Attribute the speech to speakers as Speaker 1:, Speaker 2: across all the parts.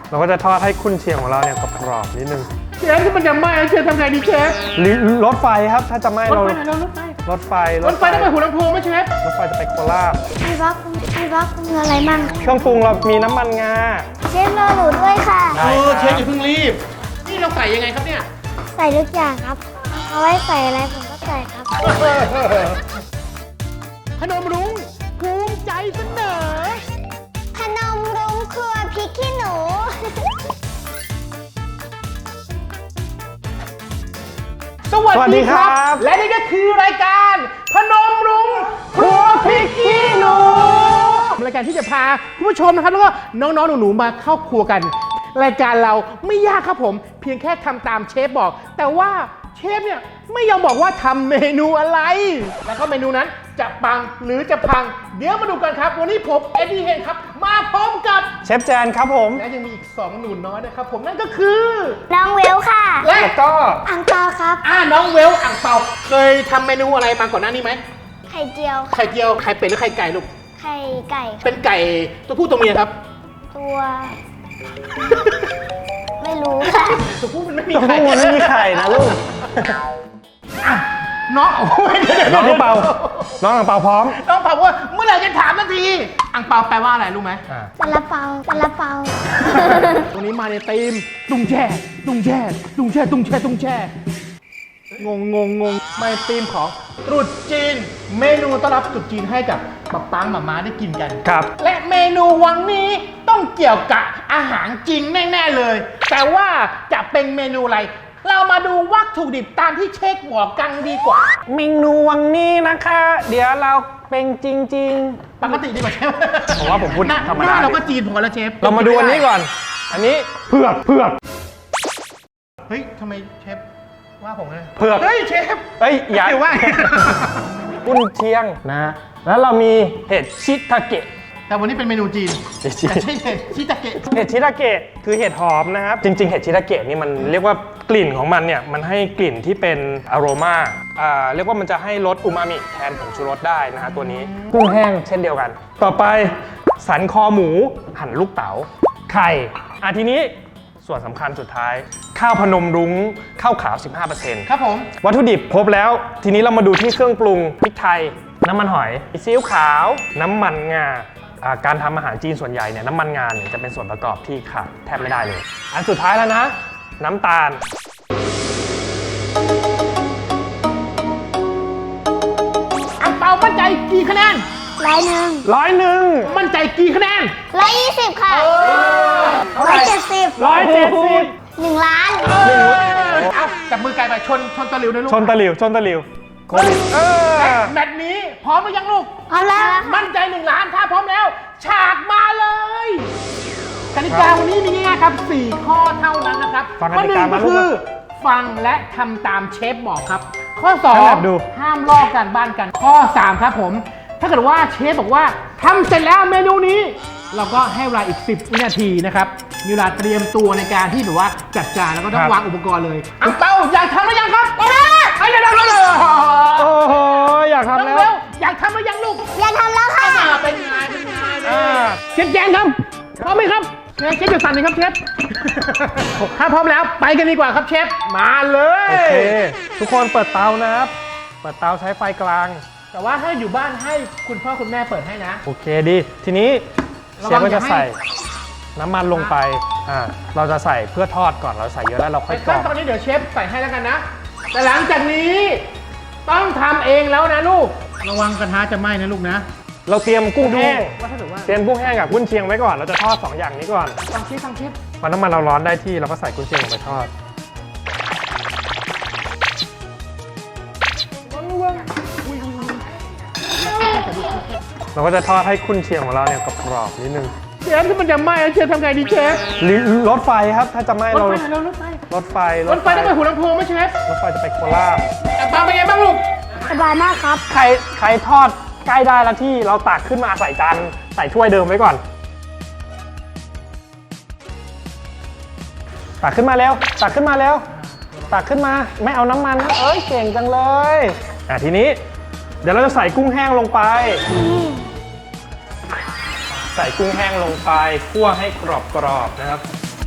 Speaker 1: เราก็จะทอดให้กุนเชียงของเราเนี่ยกรอบๆนิดนึง
Speaker 2: เชฟที่มันจะไหม้เชฟทำไงดีเชฟ
Speaker 1: รถไฟครับถ้าจะไหม้
Speaker 2: รถ
Speaker 1: เรา
Speaker 2: ไฟไหนเรารถไฟ
Speaker 1: รถไฟ
Speaker 2: รถไฟต้องไปหัวลำโพงไหมเชฟ
Speaker 1: รถไฟจะไปโคราช
Speaker 3: พี่บล็อกมีอะไรมั่ง
Speaker 1: เครื่องปรุงเรามีน้ำมันงา
Speaker 3: เชฟรอหนูด้วยค่ะ
Speaker 1: ได้ครับ
Speaker 2: เชฟอย่าเพิ่งรีบนี่เราใส่ยังไงครับเนี่ย
Speaker 3: ใส่ทุกอย่างครับ เอาไว้ใส่อะไรผมก็ใส่ครับ
Speaker 2: พนมรุ้งภูมิใจเสนอ
Speaker 3: ขนมรุ้งครัวพริกขี้หนู
Speaker 2: สวัสดีครับ และนี่ก็คือรายการพนมรุ้งครัวพริกขี้หนูรายการที่จะพาคุณผู้ชมนะครับแล้วก็น้องๆหนูๆมาเข้าครัวกัน รายการเราไม่ยากครับผม เพียงแค่ทำตามเชฟบอก แต่ว่าเชฟเนี่ยไม่ยอมบอกว่าทำเมนูอะไร แล้วก็เมนูนั้นจะปังหรือจะพัง เดี๋ยวมาดูกันครับ วันนี้ผมเอ็ดดี้เฮนครับมาพร้อมกับ
Speaker 1: เชฟแจนครับผม
Speaker 2: และยังมีอีก2หนูน้อยนะครับผมนั่นก็คือ
Speaker 3: น้องเวลค่ะ
Speaker 2: และ
Speaker 1: แล้วก็
Speaker 3: อังเปาครับ
Speaker 2: น้องเวลอ่างเปาเคยทำเมนูอะไรมาก่อนหน้านี้ไหม
Speaker 3: ไข่เจียว
Speaker 2: ไข่เจียวไข่เป็ดหรือไข่ไก่ลูก
Speaker 3: ไข่ไก่
Speaker 2: เป็นไก่ตัวผู้ตัวเมียครับ
Speaker 3: ตัว ไม่รู้ค่ะ
Speaker 2: ตัวผู้มันไม่มี
Speaker 1: ตัว
Speaker 2: ไข่
Speaker 1: ผู้มันไม่มีไข่นะลูก
Speaker 2: อ่ะน้องโอ้ย
Speaker 1: น้องอังเปาน้องอังเปาพร้อม
Speaker 2: น้องเปาว่าเมื่อไหร่จะถามนาทีอังเปาแปลว่าอะไรรู้ไหม
Speaker 3: ซาลาเปาซาลาเปา
Speaker 2: ตัวนี้มาในธีมตุ้งแช่ตุ้งแช่ตุ้งแช่ตุ้งแช่ตุ้งแช่งงมาในธีมของตรุษจีน เมนูต้อนรับตรุษจีนให้กับป๊าปังหม่าม้าได้กินกัน
Speaker 1: ครับ
Speaker 2: และเมนูวันนี้ต้องเกี่ยวกับอาหารจริงแน่ๆเลย แต่ว่าจะเป็นเมนูอะไร เรามาดูวัตถุดิบตามที่เช็คบอกกันดีกว่า
Speaker 1: เมนูวันนี้นะคะ เดี๋ยวเราเป็นจริง
Speaker 2: ปกติดีกว่าเชฟ
Speaker 1: ผมว่าผมพูด
Speaker 2: หน้
Speaker 1: ธรรมดา
Speaker 2: หน้าเราก็จีนพอแล้วเชฟ
Speaker 1: ๆ เรามาดูอันนี้ก่อน อันนี้เผือก
Speaker 2: เฮ้ยทำไมเชฟว่าผมนะ
Speaker 1: เผือก
Speaker 2: เฮ้ยเชฟ
Speaker 1: เอ้ยอย่า
Speaker 2: เดี๋ยวว่า
Speaker 1: กุนเชียงนะ แล้วเรามีเห็ดชิทาเกะ
Speaker 2: แต่วันนี้เป็นเมนูจีน
Speaker 1: เห็ดชิ
Speaker 2: แต่ใช่เห็ดชิตาเกะ
Speaker 1: เห็ดชิทาเกะคือเห็ดหอมนะครับ จริง ๆ เห็ดชิทาเกะนี่มันเรียกว่ากลิ่นของมันเนี่ย มันให้กลิ่นที่เป็นอโรมาเรียกว่ามันจะให้รสอูมามิแทนผงชูรสได้นะฮะตัวนี้ กุ้งแห้งเช่นเดียวกัน ต่อไปสันคอหมูหั่นลูกเต๋า ไข่ทีนี้ส่วนสำคัญสุดท้าย ข้าวพนมรุ้งข้าวขาว 15%
Speaker 2: ครับผม
Speaker 1: วัตถุดิบครบแล้ว ทีนี้เรามาดูที่เครื่องปรุงพริกไทย น้ำมันหอยซีอิ๊วขาว น้ำมันงาการทำอาหารจีนส่วนใหญ่เนี่ยน้ำมันงาเนี่ยจะเป็นส่วนประกอบที่ขาดแทบไม่ได้เลย อันสุดท้ายแล้วนะ น้ำตาล
Speaker 2: อังเปามั่นใจกี่คะแนน
Speaker 1: 100
Speaker 2: มั่นใจกี่คะแนน
Speaker 3: 120 ค่ะ
Speaker 2: เท่าไหร่
Speaker 3: 170
Speaker 1: 170
Speaker 3: 1 ล้าน
Speaker 2: เอาจับมือไก่ไปชนตะหลิวนะลูก
Speaker 1: ชนตะหลิวโควิด
Speaker 2: แมตช์นี้พร้อมหรือยังลูก
Speaker 3: พร้อมแล้วค่ะ
Speaker 2: มั่นใจ1 ล้านถ้าพร้อมแล้ว ฉากมาเลยกติกาวันนี้มีง่ายๆครับ 4 ข้อเท่านั้นนะครับ
Speaker 1: ฟังก
Speaker 2: ข้อ
Speaker 1: ติ
Speaker 2: หนึ่
Speaker 1: กาง
Speaker 2: ก็
Speaker 1: มาลู
Speaker 2: คื
Speaker 1: ก
Speaker 2: อ ฟังและทำตามเชฟบอกครับ ข้อ
Speaker 1: ถนัดดู
Speaker 2: 2 ห้ามลอกกันบ้านกัน ข้อ 3 ครับผม ถ้าเกิดว่าเชฟบอกว่าทำเสร็จแล้วเมนูนี้ เราก็ให้เวลาอีก 10 วินาทีนะครับมีเวลาเตรียมตัวในการที่แบบว่าจัดจานแล้วก็ต้องวางอุปกรณ์เลยอังเปาอยากทำหรือยังครับเดี๋ยว
Speaker 1: โอ้โหอยากทำแล้ว
Speaker 2: เร็วอยากทำหรือยังลูก
Speaker 3: อย่าทำแล้วค่ะ
Speaker 2: เป็นไงเชฟแจนครับพร้อมไหมครับเชฟอยู่สั่นหนึ่งครับเชฟ ถ้าพร้อมแล้วไปกันดีกว่าครับเชฟมาเลย
Speaker 1: โอเค ทุกคนเปิดเตานะครับ เปิดเตาใช้ไฟกลาง
Speaker 2: แต่ว่าถ้าอยู่บ้านให้คุณพ่อคุณแม่เปิดให้นะ
Speaker 1: โอเคดี ทีนี้เชฟก็จะใส่น้ำมันลงไปเราจะใส่เพื่อทอดก่อน เราใส่เยอะแล้วเราค่
Speaker 2: ใน
Speaker 1: อยกร
Speaker 2: ขั้
Speaker 1: อน บ
Speaker 2: ตอนนี้เดี๋ยวเชฟใส่ให้แล้วกันนะ แต่หลังจากนี้ต้องทำเองแล้วนะลูก ระวังกระทะจะไหม้นะลูกนะ
Speaker 1: เราเตรียมกุ้งแห้ง
Speaker 2: ว่าถ้าเกิดว่า
Speaker 1: เตรียมกุ้งแห้งกับกุ้นเชียงไว้ก่อน เราจะทอด 2 อย่างนี้ก่อน
Speaker 2: ฟังเชฟ
Speaker 1: พอน้ำมันเราร้อนได้ที่เราก็ใส่กุ้นเชียงลงไปทอด เราก็จะทอดให้กุ้นเชียงของเราเนี่ยกรอบๆนิดนึง
Speaker 2: เชฟที่มันจะไหม้เชฟทำไงดีเชฟ
Speaker 1: รถไฟครับถ้าจะไหม้
Speaker 2: รถ
Speaker 1: เรา
Speaker 2: ไฟไหนเรารถไฟ
Speaker 1: รถไฟ
Speaker 2: รถไฟต้องไปหัวลำโพงไหมเชฟ
Speaker 1: รถไฟจะไปโคราช
Speaker 2: อังเปาเป็นไงบ้างลูก
Speaker 3: สบายมากครับ
Speaker 1: ใครทอดใกล้ได้แล้วที่เราตักขึ้นมาใส่จานใส่ถ้วยเดิมไว้ก่อน ตักขึ้นมาเร็วตักขึ้นมาเร็วตักขึ้นมาไม่เอาน้ำมันนะเอ้ยเก่งจังเลยทีนี้เดี๋ยวเราจะใส่กุ้งแห้งลงไป ใส่กุ้งแห้งลงไปคั่วให้กรอบๆนะครับ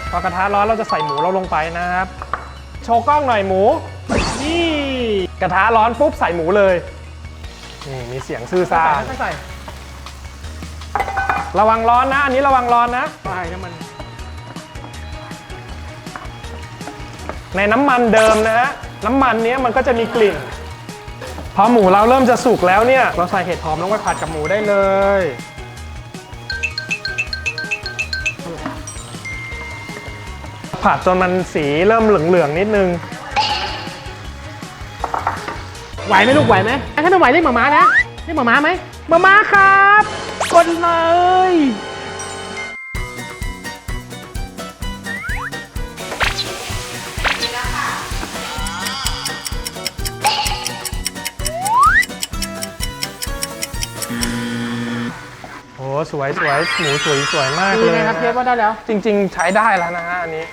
Speaker 1: พอกระทะร้อนเราจะใส่หมูเราลงไปนะครับ โชว์กล้องหน่อยหมู
Speaker 2: นี่
Speaker 1: กระทะร้อนปุ๊บใส่หมูเลยนี่มีเสียงซื่อซ่า
Speaker 2: ไม่ใส่
Speaker 1: ระวังร้อนนะ อันนี้ระวังร้อนนะ
Speaker 2: ใส่น้ำมัน
Speaker 1: ในน้ำมันเดิมนะฮะน้ำมันเนี้ยมันก็จะมีกลิ่น พอหมูเราเริ่มจะสุกแล้วเนี่ยเราใส่เห็ดหอมลงไปผัดกับหมูได้เลยผัดจนมันสีเริ่มเหลืองๆนิดนึง
Speaker 2: ไหวไหมลูกไหวไหมถ้าไม่ไหวเรียกหมาม้านะเรียกหมาม้าไหมหมาม้าครับกดเลย
Speaker 1: โอ้สวยสวยหมูสวยมาก
Speaker 2: ดี
Speaker 1: เลย
Speaker 2: นะครับเชฟว่าได้แล้ว
Speaker 1: จริงๆใช้ได้แล้วนะฮะอันนี้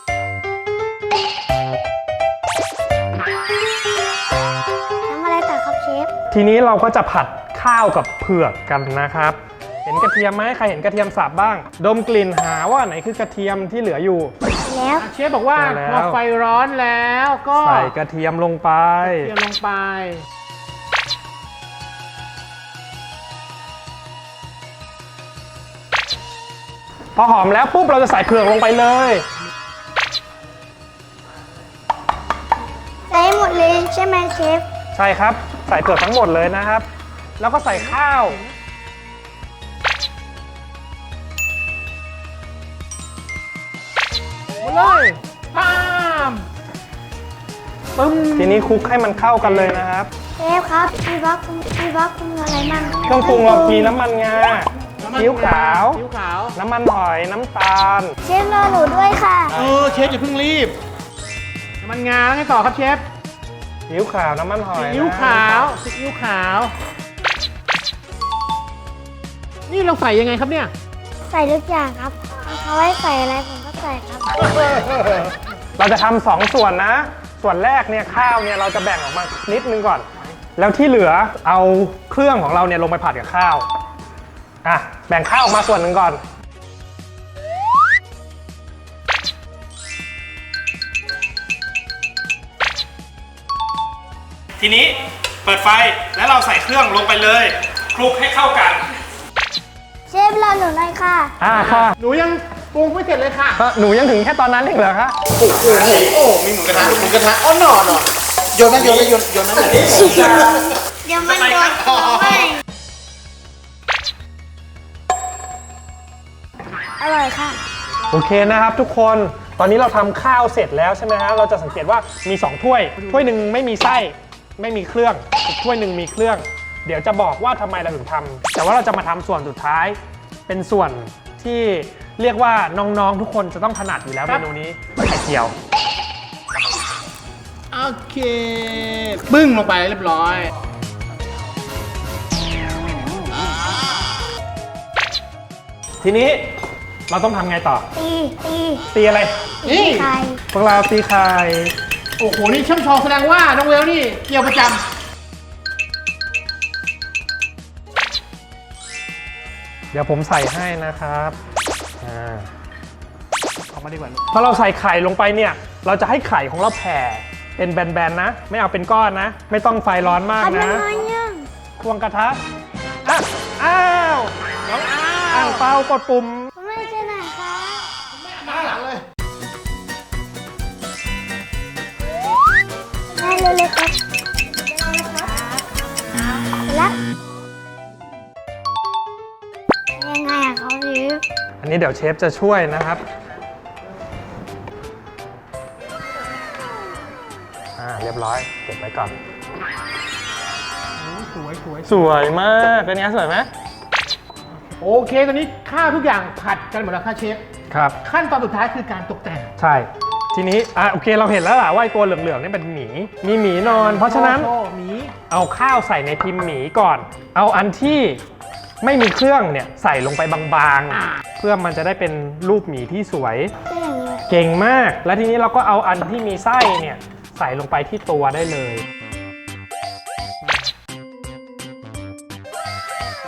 Speaker 3: ทำอะไรต่อครับเชฟ
Speaker 1: ทีนี้เราก็จะผัดข้าวกับเผือกกันนะครับ เห็นกระเทียมไหมใครเห็นกระเทียมสับบ้าง ดมกลิ่นหาว่าไหนคือกระเทียมที่เหลืออยู่
Speaker 3: แล้ว
Speaker 2: เชฟบอกว่า
Speaker 1: ได้แล้ว
Speaker 2: พอไฟร้อนแล้วก็
Speaker 1: ใส่กระเทียมลงไป
Speaker 2: เตรียมลงไป
Speaker 1: พอหอมแล้วปุ๊บเราจะใส่เผือกลงไปเลย
Speaker 3: ใส่หมดเลยใช่ไหมเชฟ
Speaker 1: ใช่ครับ ใส่เผือกทั้งหมดเลยนะครับ แล้วก็ใส่ข้าว
Speaker 2: หมดเลยปาม ปึ้ม
Speaker 1: ทีนี้คลุกให้มันเข้ากันเลยนะครับ
Speaker 3: เชฟครับมีบล็อกคุมอะไรบ้าง
Speaker 1: เครื่องปรุงเรามีน้ำมันงาซีอิ๊วขาว
Speaker 2: ซีอิ๊วขาว
Speaker 1: น้ำมันหอยน้ำตาล
Speaker 3: เชฟรอหนูด้วยค่ะ
Speaker 2: เชฟอย่าเพิ่งรีบน้ำมันงาแล้วไงต่อครับเชฟ
Speaker 1: ซีอิ๊วขาวน้ำมันหอย
Speaker 2: ซีอิ๊วขาวซีอิ๊วขาว นี่เราใส่ยังไงครับเนี่ย
Speaker 3: ใส่ทุกอย่างครับเขาให้ใส่อะไรผมก็ใส่ครับ
Speaker 1: เราจะทำสองส่วนนะ ส่วนแรกเนี่ยข้าวเนี่ยเราจะแบ่งออกมานิดนึงก่อน แล้วที่เหลือเอาเครื่องของเราเนี่ยลงไปผัดกับข้าวอ่ะแบ่งข้าวออกมาส่วนหนึ่งก่อน ทีนี้เปิดไฟแล้วเราใส่เครื่องลงไปเลยคลุกให้เข้ากัน
Speaker 3: เชฟรอหนูหน่อยค่ะ
Speaker 1: ค่ะ
Speaker 2: หนูยังปรุงไม่เสร็จเลยค่ะ
Speaker 1: หนูยังถึงแค่ตอนนั้นเองเหรอคะ
Speaker 4: มีหมูกระทะอ๋อหน่อโยนนะโยนนะโยนนะ
Speaker 3: เดี๋ยวมันโดนตัวไม่อร่อยค่ะ
Speaker 1: โอเคนะครับทุกคนตอนนี้เราทำข้าวเสร็จแล้วใช่ไหมฮะเราจะสังเกตว่ามี2ถ้วยถ้วยหนึ่งไม่มีไส้ไม่มีเครื่องอีกถ้วยหนึ่งมีเครื่อง เดี๋ยวจะบอกว่าทำไมเราถึงทำแต่ว่าเราจะมาทำส่วนสุดท้าย เป็นส่วนที่เรียกว่าน้องๆทุกคนจะต้องถนัดอยู่แล้ว
Speaker 2: ค
Speaker 1: เม
Speaker 2: รับ
Speaker 1: นูนี้ไข่เจียว
Speaker 2: โอเคปึ้งลงไปเรียบร้อย
Speaker 1: ทีนี้เราต้องทำไงต่อ
Speaker 3: ตี
Speaker 1: ตีอะไร
Speaker 2: นี่
Speaker 3: ไข่
Speaker 1: พวกเราตีไข่
Speaker 2: โอ้โห นี่ช่ำชองแสดงว่าน้องเวลนี่เกี่ยวประจ
Speaker 1: เดี๋ยวผมใส่ให้นะครับอ่า
Speaker 2: ำออกมาดีกว่าลูก
Speaker 1: พอเราใส่ไข่ลงไปเนี่ย เราจะให้ไข่ของเราแผ่เป็นแบนๆนะ ไม่เอาเป็นก้อนนะ ไม่ต้องไฟร้อนมาก
Speaker 3: ทำยั
Speaker 1: นะ
Speaker 3: งไงยัง
Speaker 1: ควงกระทะอ่ะอ้าว
Speaker 2: น้องอ้า
Speaker 1: อ่างเปากดปุ่ม
Speaker 3: คุณแม่ช่วยหน่อยค่ะ
Speaker 2: มาหลังเลย
Speaker 3: แม่เร็วๆครับแล้วยังไงอะเขาหรือ
Speaker 1: อันนี้เดี๋ยวเชฟจะช่วยนะครับเรียบร้อยเก็บไว้ก่อน
Speaker 2: สวยสวย
Speaker 1: สวยมากเป็นไงสวยไหม
Speaker 2: โอเค ตอนนี้ข้าวทุกอย่างผัดกันหมดแล้วค่ะเชฟ
Speaker 1: ครับ
Speaker 2: ขั้นตอนสุดท้ายคือการตกแต่ง
Speaker 1: ใช่ ทีนี้โอเคเราเห็นแล้วล่ะว่าไอ้ตัวเหลืองๆนี่เป็นหมีมีหมีนอน เพราะฉะนั้น
Speaker 2: โอ้หมี
Speaker 1: เอาข้าวใส่ในพิมพ์หมีก่อน เอาอันที่ไม่มีเครื่องเนี่ยใส่ลงไปบางๆ เพื่อมันจะได้เป็นรูปหมีที่สวย
Speaker 3: ก็อย่างนี้
Speaker 1: เก่งมาก และทีนี้เราก็เอาอันที่มีไส้เนี่ยใส่ลงไปที่ตัวได้เลย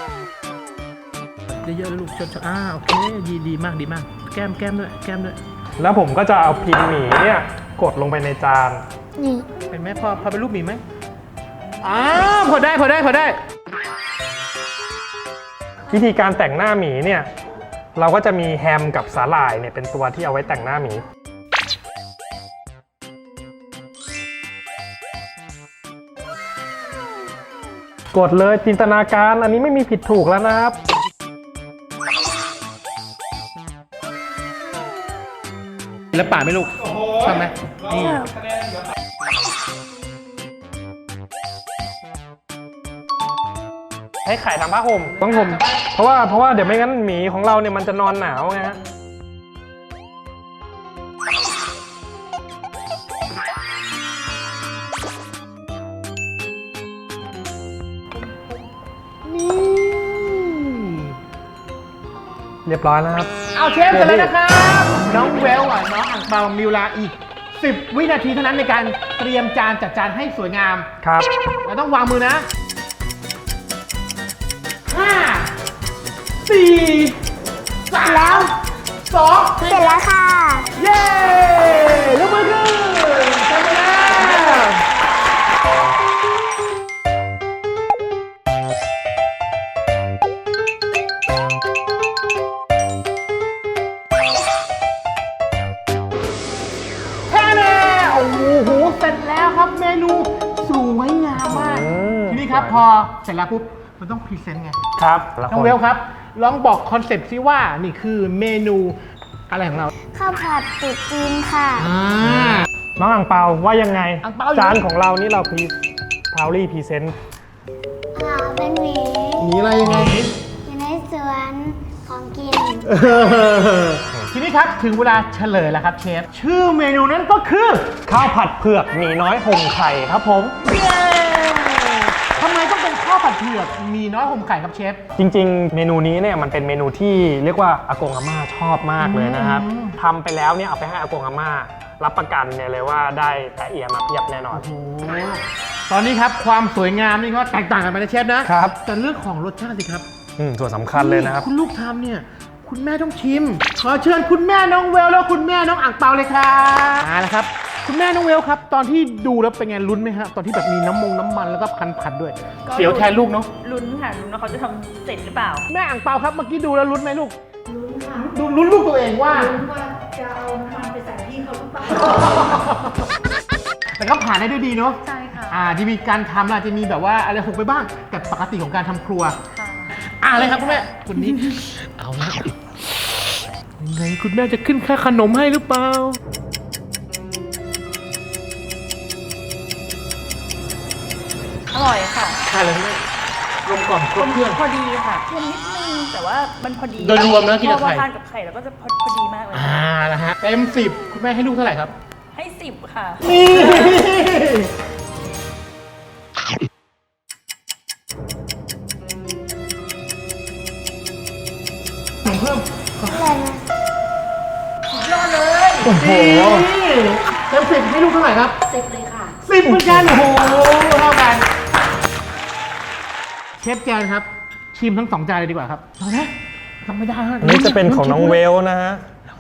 Speaker 2: เยอะๆเลยลูกชนโอเคดีมากดีมาก แก้มด้วย
Speaker 1: แล้วผมก็จะเอาพิมพ์หมี่เนี่ยกดลงไปในจาน
Speaker 3: นี่
Speaker 2: เป็นไหมพอเป็นรูปหมีไหมพอได้
Speaker 1: วิธีการแต่งหน้าหมีเนี่ยเราก็จะมีแฮมกับสาหร่ายเนี่ยเป็นตัวที่เอาไว้แต่งหน้าหมีกดเลยจินตนาการอันนี้ไม่มีผิดถูกแล้วนะครับ
Speaker 2: แล้วป่าไหม่ลูกชอบไหมนี่
Speaker 1: ให้ไข่ทำผ้าห่มต้องห่มเพราะว่าเดี๋ยวไม่งั้นหมีของเราเนี่ยมันจะนอนหนาวไงฮะเรียบร้อยแล้วครับ
Speaker 2: เอาเชฟเสร็จแล้วนะครับ น้องเวลน้องอ่างเปามีเวลาอีก 10 วินาทีเท่านั้นในการเตรียมจานจัดจานให้สวยงาม
Speaker 1: ครับ
Speaker 2: เราต้องวางมือนะ 5 4
Speaker 3: แล้ว
Speaker 2: 3 2
Speaker 3: เสร็จแล้วค่ะ
Speaker 2: เย้ยกมือขึ้นทำไปแล้วแค่นี้โอ้โหเสร็จแล้วครับเมนูสวยงามมาก ทีนี้ครับพอเสร็จแล้วปุ๊บมันต้องพรีเซนต์ไง
Speaker 1: ครับ
Speaker 2: น้องเวลครับ ลองบอกคอนเซ็ปต์ซิว่านี่คือเมนูอะไรของเรา
Speaker 3: ข้าวผัดตุ๋นจีนค่ะ
Speaker 1: น้องอ่างเปาว่ายังไง
Speaker 2: อ่างเปาอยู่
Speaker 1: จานของเรานี่เราพาวลี่พรีเซนต์
Speaker 3: เป็นหมี
Speaker 2: มีอะไรยังไง
Speaker 3: อยู่ในสวนของกิน
Speaker 2: ทีนี้ครับถึงเวลาเฉลยแล้วครับเชฟ ชื่อเมนูนั้นก็คือ
Speaker 1: ข้าวผัดเผือกหมีน้อยห่มไข่ครับผม
Speaker 2: เย้ทำไมต้องเป็นข้าวผัดเผือกมีน้อยห่มไข่ครับเชฟ
Speaker 1: จริงๆ เมนูนี้เนี่ยมันเป็นเมนูที่เรียกว่าอากงอาม่าชอบมากเลยนะครับทำไปแล้วเนี่ยเอาไปให้อากงอาม่ารับประกันเนี่ยเลยว่าได้แตะเอียมาเพียบแน่นอน
Speaker 2: โอ้ตอนนี้ครับความสวยงามนี่ก็แตกต่างกันไปนะเชฟนะครับ แต่เรื่องของรสชาติสิครับ
Speaker 1: ส่วนสำคัญเลยนะครับ
Speaker 2: คุณลูกทำเนี่ยคุณแม่ต้องชิม ขอเชิญคุณแม่น้องเวลแล้วคุณแม่น้องอ่างเปาเลยครับมาแล้วครับคุณแม่น้องเวลครับ ตอนที่ดูแล้วเป็นไงลุ้นไหมฮะตอนที่แบบมีน้ำมันแล้วก็พันด้วยเสียวแทนลูกเนาะ
Speaker 5: ลุ้นค่ะลุ้นว่าเขาจะทำเสร็จหรือเปล่า
Speaker 2: แม่อ่างเปาครับเมื่อกี้ดูแล้วลุ้นไหมลูกลุ้นค่ะลุ้นลูกตัวเองว่าจะเอาน้ำมันไปใส่พี่เขาหรือเปล่าแต่ก็ผ่านได้ด้วยดีเนาะ
Speaker 5: ใช่ค่ะ
Speaker 2: จะมีการทำอาจจะมีแบบว่าอะไรหกไปบ้างแต่ปกติของการทำครัว
Speaker 5: ค่ะ
Speaker 2: อะไรครับคุณแม่คุณนี้ เอาละยังไงคุณแม่จะขึ้นค่าขนมให้หรือเปล่า
Speaker 5: อร่อยค่ะ
Speaker 2: ใช่เลยแม่รวมกล่อมครบเครื่อง
Speaker 5: พอดีค่ะเค็มนิดนึงแต่ว่ามันพอดี
Speaker 2: โดยรวมนะกินกับไข่
Speaker 5: พอทานกับไข่แล้วก็จะพอดีมากเลย
Speaker 2: นะฮะเต็ม10คุณแม่ให้ลูกเท่าไหร่ครับ
Speaker 5: ให้10ค่ะ
Speaker 2: นี่เพิ่ม
Speaker 3: อะไรนะ
Speaker 2: โอ้โหเต็ม10ให้ลูกเท่าไหร่ครับ
Speaker 3: 10เลยค่ะ
Speaker 2: 10เหมือนกันโอ้โหเท่ากันเชฟแจนครับ ชิมทั้ง2จานเลยดีกว่าครับเอาละทำไม่ได้ฮะ
Speaker 1: อันนี้จะเป็นของน้องเวลนะฮะ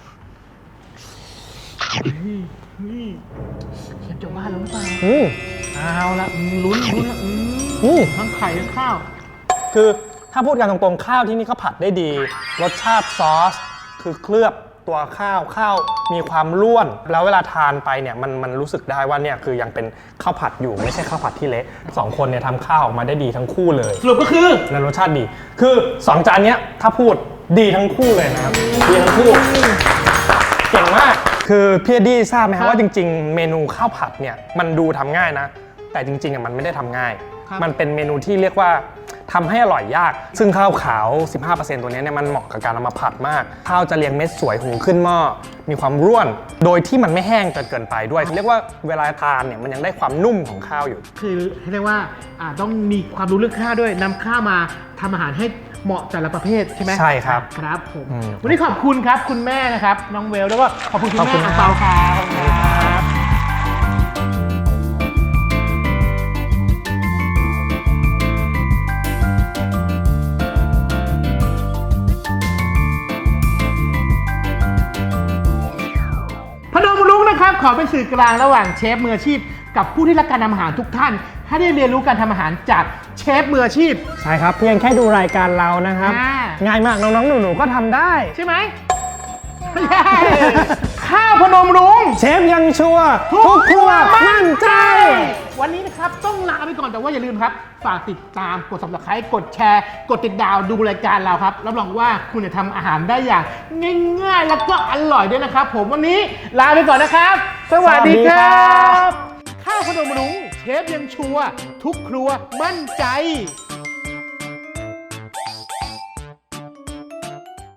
Speaker 2: นี่เชฟจะว่าแล้วหรือเปล่า
Speaker 1: อืม
Speaker 2: เอาละลุ้นละ ทั้งไข่ทั้งข้าว
Speaker 1: คือถ้าพูดกันตรงๆข้าวที่นี่เขาผัดได้ดี รสชาติซอส คือเคลือบตัวข้าวมีความร่วน แล้วเวลาทานไปเนี่ยมันรู้สึกได้ว่าเนี่ยคือยังเป็นข้าวผัดอยู่ไม่ใช่ข้าวผัดที่เละสองคนเนี่ยทำข้าวออกมาได้ดีทั้งคู่เลย
Speaker 2: สรุปก็คือ
Speaker 1: และรสชาติดี คือ2จานเนี้ยถ้าพูดดีทั้งคู่เลยนะครับ ดีทั้งคู่ เก่งมาก คือพี่เอ็ดดี้ทราบไหมครับว่าจริงๆ เมนูข้าวผัดเนี่ยมันดูทำง่ายนะ แต่จริงๆมันไม่ได้ทำง่าย มันเป็นเมนูที่เรียกว่าทำให้อร่อยยาก ซึ่งข้าวขาว 15% ตัวนี้เนี่ยมันเหมาะกับการเอามาผัดมาก ข้าวจะเรียงเม็ดสวยหุงขึ้นหม้อ มีความร่วน โดยที่มันไม่แห้งจนเกินไปด้วย เรียกว่าเวลาทานเนี่ยมันยังได้ความนุ่มของข้าวอยู่
Speaker 2: คือเรียกว่าต้องมีความรู้เรื่องข้าวด้วยนำข้าวมาทำอาหารให้เหมาะแต่ละประเภทใช่ไหม
Speaker 1: ใช่ครับ
Speaker 2: ครับผม
Speaker 1: อืม
Speaker 2: วันนี้ขอบคุณครับคุณแม่นะครับน้องเวลแล้วก็ขอบคุณคุณ
Speaker 1: ขอบคุ
Speaker 2: แม่
Speaker 1: ณ
Speaker 2: อังเปาครับขอเป็นสื่อกลางระหว่างเชฟมืออาชีพ กับผู้ที่รักการทำอาหารทุกท่าน ให้ได้เรียนรู้การทำอาหารจากเชฟมืออาชีพ
Speaker 1: ใช่ครับเพียงแค่ดูรายการเรานะครับ
Speaker 2: อ่า
Speaker 1: ง่ายมากน้องๆหนูๆก็ทำได้
Speaker 2: ใช่ไหมไม่ใช่ ข้าวพนมรุ้ง
Speaker 1: เชฟยังชัวร์ทุกครัวมั่นใจ
Speaker 2: วันนี้นะครับต้องลาไปก่อนแต่ว่าอย่าลืมครับ ฝากติดตามกด subscribe กดแชร์ กดติดดาวดูรายการเราครับรับรองว่าคุณจะทำอาหารได้อย่างง่ายๆ แล้วก็อร่อยด้วยนะครับ ผมวันนี้ลาไปก่อนนะครับ สวัสดีครั
Speaker 1: สวัสดีครับ บ
Speaker 2: ข้าวพนมรุ้งเชฟยังชัวร์ทุกครัวมั่นใจ